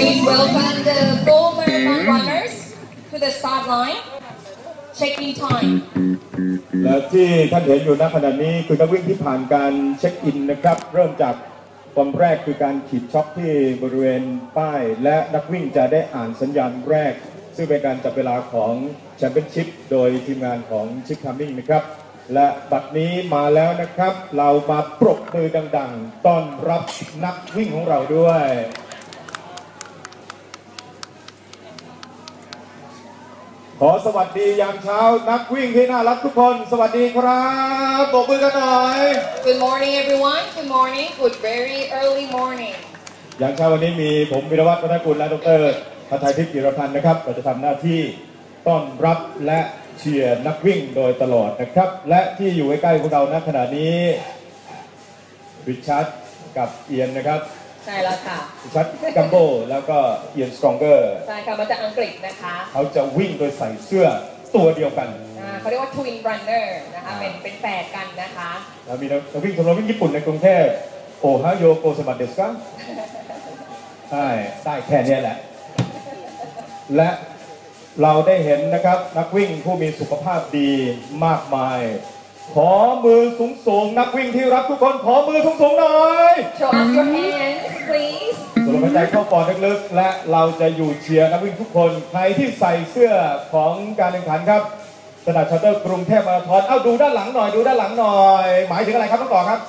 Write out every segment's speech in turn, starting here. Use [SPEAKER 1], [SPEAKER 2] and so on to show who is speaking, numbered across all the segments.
[SPEAKER 1] Please welcome the full marathon runners to the start line. Check-in time.
[SPEAKER 2] และที่ท่านเห็นอยู่ณขณะนี้คือนักวิ่งที่ผ่านการเช็คอินนะครับเริ่มจากตอนแรกคือการขีดช็อคที่บริเวณป้ายและนักวิ่งจะได้อ่านสัญญาณแรกซึ่งเป็นการจับเวลาของแชมเปี้ยนชิพโดยทีมงานของชิคคัมมิ่งนะครับและบัดนี้มาแล้วนะครับเรามาปรบมือดังๆต้อนรับนักวิ่งของเราด้วยขอสวัสดียามเช้านักวิ่งที่น่ารักทุกคนสวัสดีครับปรบมือกันหน่อย
[SPEAKER 1] Good morning everyone. Good morning. Good very early morning.
[SPEAKER 2] ยามเช้าวันนี้มีผมวิรวัฒน์ วัฒนกุลและดร.ภัทรไทยทิพย์ จิรพันธ์นะครับเราจะทำหน้าที่ต้อนรับและเชียร์นักวิ่งโดยตลอดนะครับและที่อยู่ใกล้ๆพวกเราณขณะนี้ริชาร์ดกับเอียนนะครับ
[SPEAKER 1] ใช่แล้วค่ะ
[SPEAKER 2] ริชาร์ดกัมโบแล้วก็เอียนสตรองเกอร์
[SPEAKER 1] ใช่ค่ะมาจากอังกฤษนะคะ
[SPEAKER 2] เขาจะวิ่งโดยใส่เสื้อตัวเดียวกัน
[SPEAKER 1] เขาเรียกว่า Twin Runner นะคะเป็นแฝดกันนะคะ
[SPEAKER 2] แล้วมีนักวิ่งชมรมวิ่งญี่ปุ่นในกรุงเทพโอฮาโยโกสมัตเดสกัใช่ได้แค่นี้แหละและเราได้เห็นนะครับนักวิ่งผู้มีสุขภาพดีมากมายขอมือสูงๆนักวิ่งที่รักทุกคนขอมือสูงๆหน่อย
[SPEAKER 1] Show us your hands please
[SPEAKER 2] สูดหายใจเข้าปอดลึกๆและเราจะอยู่เชียร์นักวิ่งทุกคนใครที่ใส่เสื้อของการแข่งขันครับสนามชาร์เตอร์กรุงเทพมาราธอนดูด้านหลังหน่อยดูด้านหลังหน่อยหมายถึงอะไรครับน้องต่อครับ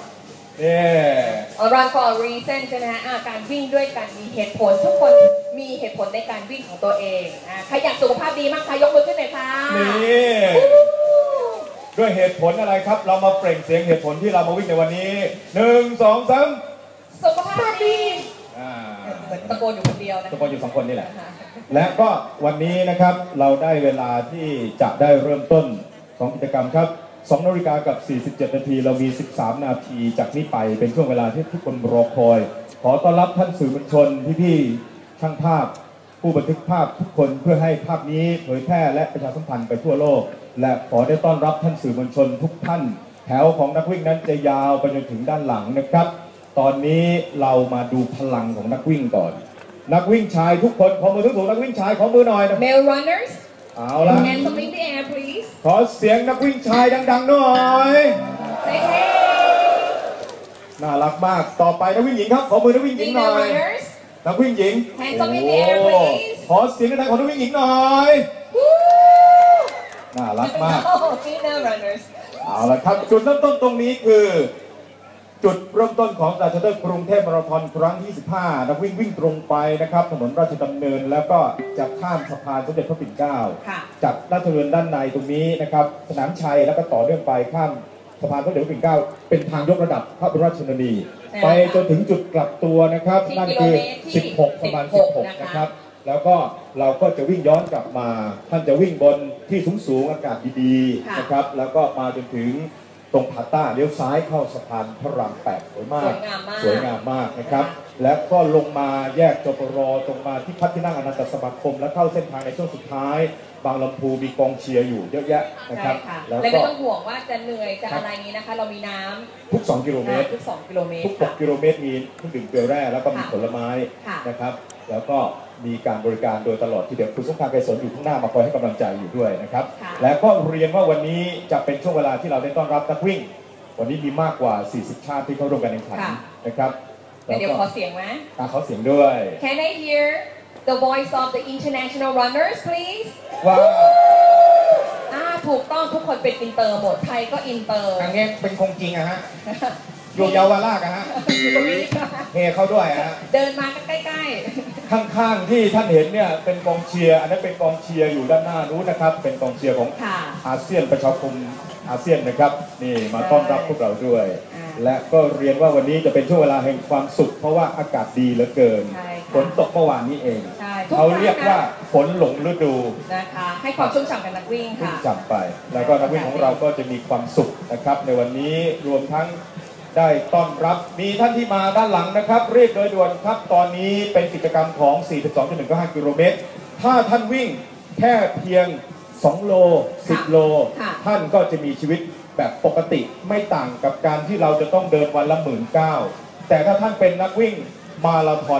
[SPEAKER 1] Run for a reason ใช่ไหมฮะการวิ่งด้วยกันมีเหตุผลทุกคนมีเหตุผลในการวิ่งของตัวเองใครอยากสุขภาพดีมากคะยกมือขึ้นหน่อยค่ะ
[SPEAKER 2] นี่ด้วยเหตุผลอะไรครับเรามาเปล่งเสียงเหตุผลที่เรามาวิ่งในวันนี้1 2 3
[SPEAKER 1] สุขภาพดีตะโกนอยู่คนเดียวนะ
[SPEAKER 2] ตะโกนอยู่2 คนนี่แหละและก็วันนี้นะครับเราได้เวลาที่จะได้เริ่มต้นของกิจกรรมครับ2 นาฬิกากับ47 นาทีเรามี13 นาทีจากนี้ไปเป็นช่วงเวลาที่ทุกคนรอคอยขอต้อนรับท่านสื่อมวลชนพี่ๆช่างภาพผู้บันทึกภาพทุกคนเพื่อให้ภาพนี้เผยแพร่และประชาสัมพันธ์ไปทั่วโลกและขอได้ต้อนรับท่านสื่อมวลชนทุกท่านแถวของนักวิ่งนั้นจะยาวไปจนถึงด้านหลังนะครับตอนนี้เรามาดูพลังของนักวิ่งก่อนนักวิ่งชายทุกคนขอมือทุกๆนักวิ่งชายขอมือหน่อย
[SPEAKER 1] Male runners
[SPEAKER 2] เอาละ
[SPEAKER 1] Hands up in the air please
[SPEAKER 2] ขอเสียงนักวิ่งชายดังๆหน่อย
[SPEAKER 1] Say hey
[SPEAKER 2] น่ารักมากต่อไปนักวิ่งหญิงครับขอมือนักวิ่งหญิงหน่อยนักวิ่งหญิง
[SPEAKER 1] Hands up in the air please
[SPEAKER 2] ขอเสียงดังๆของนักวิ่งหญิงหน่อยน่ารักมาก
[SPEAKER 1] Female runners
[SPEAKER 2] เอาละครับจุดเริ่มต้นตรงนี้คือจุดเริ่มต้นของสนามชาร์เตอร์กรุงเทพมาราธอนครั้งที่25นักวิ่งตรงไปนะครับถนนราชดำเนินแล้วก็จะข้ามสะพานสมเด็จพระปิ่นเกล้าจากราชดำเนินด้านในตรงนี้นะครับสนามชัยแล้วก็ต่อเนื่องไปข้ามสะพานสมเด็จพระปิ่นเกล้าเป็นทางยกระดับพระบรมราชชนนีไปจนถึงจุดกลับตัวนะครับนั่นคือ16ประมาณ16นะครับแล้วก็เราก็จะวิ่งย้อนกลับมาท่านจะวิ่งบนที่สูงๆอากาศดีๆนะครับแล้วก็มาจนถึงตรงผาต้าเลี้ยวซ้ายเข้าสะพานพระราม8สวยมากสวยงามมากนะครับและก็ลงมาแยกจปรตรงมาที่พัที่นั่งอนันตสมาคมและเข้าเส้นทางในช่วงสุดท้ายบางลำพูมีกองเชียร์อยู่เยอะแยะนะครับ
[SPEAKER 1] แล้วก็ไม่ต้องห่วงว่าจะเหนื่อยจะอะไรนี้นะคะเรามีน้ำ
[SPEAKER 2] ทุก2 กิโลเมตร
[SPEAKER 1] ทุก2 กิโลเมตร
[SPEAKER 2] ทุก6 กิโลเมตรมีเครื่องดื่มเกลือแร่แล้วก็มีผลไม้นะครับแล้วก็มีการบริการโดยตลอดที่เดี๋ยวคุณสงครามไกรสนอยู่ข้างหน้ามาคอยให้กำลังใจอยู่ด้วยนะครับและก็เรียนว่าวันนี้จะเป็นช่วงเวลาที่เราได้ต้อนรับนักวิ่งวันนี้มีมากกว่า40 ชาติที่เข้าร่วมการแข่งขันนะครับ
[SPEAKER 1] เดี๋ยวขอเสียงไหม
[SPEAKER 2] ขอเสียงด้วย
[SPEAKER 1] Can I hear the voice of the international runners please
[SPEAKER 2] ว้าว
[SPEAKER 1] ถูกต้องทุกคนเป็นอินเตอร์หมดไทยก็อินเตอร์
[SPEAKER 2] ครั้งนี้เป็นคงจริงอะฮะอยู่เยาวราชอะฮะเฮเข้าด้วยฮะ
[SPEAKER 1] เดินมาใกล้
[SPEAKER 2] ๆข้างๆที่ท่านเห็นเนี่ยเป็นกองเชียร์อันนั้นเป็นกองเชียร์อยู่ด้านหน้านู้นนะครับเป็นกองเชียร์ของอาเซียนประชาคมอาเซียนนะครับนี่มาต้อนรับพวกเราด้วยและก็เรียนว่าวันนี้จะเป็นช่วงเวลาแห่งความสุขเพราะว่าอากาศดีเหลือเกินฝนตกเมื่อวานนี้เองเขาเรียกว่าฝนหลงฤดู
[SPEAKER 1] นะคะให้ความชุ่มฉ่ำกับนักวิ่งค่ะ
[SPEAKER 2] ฉ่ำไปแล้วก็นักวิ่งของเราก็จะมีความสุขนะครับในวันนี้รวมทั้งได้ต้อนรับมีท่านที่มาด้านหลังนะครับเรียกโดยด่วนครับตอนนี้เป็นกิจกรรมของ 42.195 กิโลเมตรถ้าท่านวิ่งแค่เพียง2 โล 10 โลท่านก็จะมีชีวิตแบบปกติไม่ต่างกับการที่เราจะต้องเดินวันละ19,000แต่ถ้าท่านเป็นนักวิ่งมาราธอน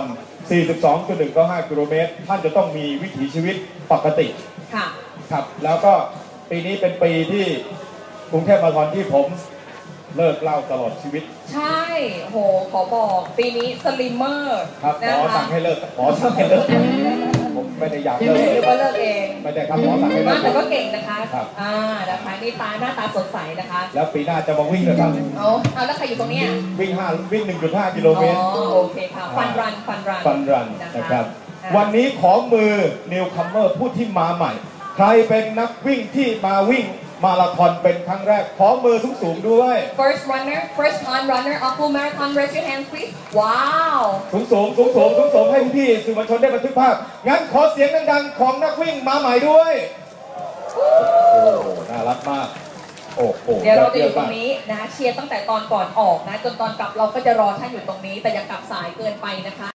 [SPEAKER 2] 42.195 กิโลเมตรท่านจะต้องมีวิถีชีวิตปกติ
[SPEAKER 1] ค่ะ
[SPEAKER 2] ครับแล้วก็ปีนี้เป็นปีที่กรุงเทพมาราธอนที่ผมเลิกเหล้าตลอดชีวิต
[SPEAKER 1] ใช่โหขอบอกปีนี้สลิมเมอร์
[SPEAKER 2] ครับห
[SPEAKER 1] นะ
[SPEAKER 2] มอ
[SPEAKER 1] คะ
[SPEAKER 2] สั่งให้เลิกหมอสั่งให้เลิกผมไม่ได้อยากเลิก
[SPEAKER 1] หรือว่าเลิกเอง
[SPEAKER 2] ไม่ได้ครับหมอสั่งให้เลิก
[SPEAKER 1] แต่ก็เก่งนะคะ
[SPEAKER 2] ครับ
[SPEAKER 1] นะคะนี่หน้าตาสดใสนะคะ
[SPEAKER 2] แล้วปีหน้าจะมาวิ่งนะครับ
[SPEAKER 1] เอาแล้วใครอยู่ตรงเนี้ย
[SPEAKER 2] วิ่ง 1.5 กิโลเมตร
[SPEAKER 1] โอเคค่ะฟันรัน
[SPEAKER 2] ฟันรัน
[SPEAKER 1] นะ
[SPEAKER 2] นะครับ
[SPEAKER 1] คะ
[SPEAKER 2] วันนี้ขอมือนิวคัมเมอร์ผู้ที่มาใหม่ ใครเป็นนักวิ่งที่มาวิ่งมาราธอนเป็นครั้งแรก ขอมือสูงๆด้วย
[SPEAKER 1] first time runner of full marathon raise your hands please ว้าว
[SPEAKER 2] สูงให้พี่ๆสื่อมวลชนได้บันทึกภาพ งั้นขอเสียงดังๆของนักวิ่งมาใหม่ด้วย โอ้น่ารักมาก โอ้โห
[SPEAKER 1] เดี๋ยวเราจะอยู่ตรงนี้นะเชียร์ตั้งแต่ตอนก่อนออกนะจนตอนกลับเราก็จะรอท่านอยู่ตรงนี้ แต่อย่ากลับสายเกินไปนะคะ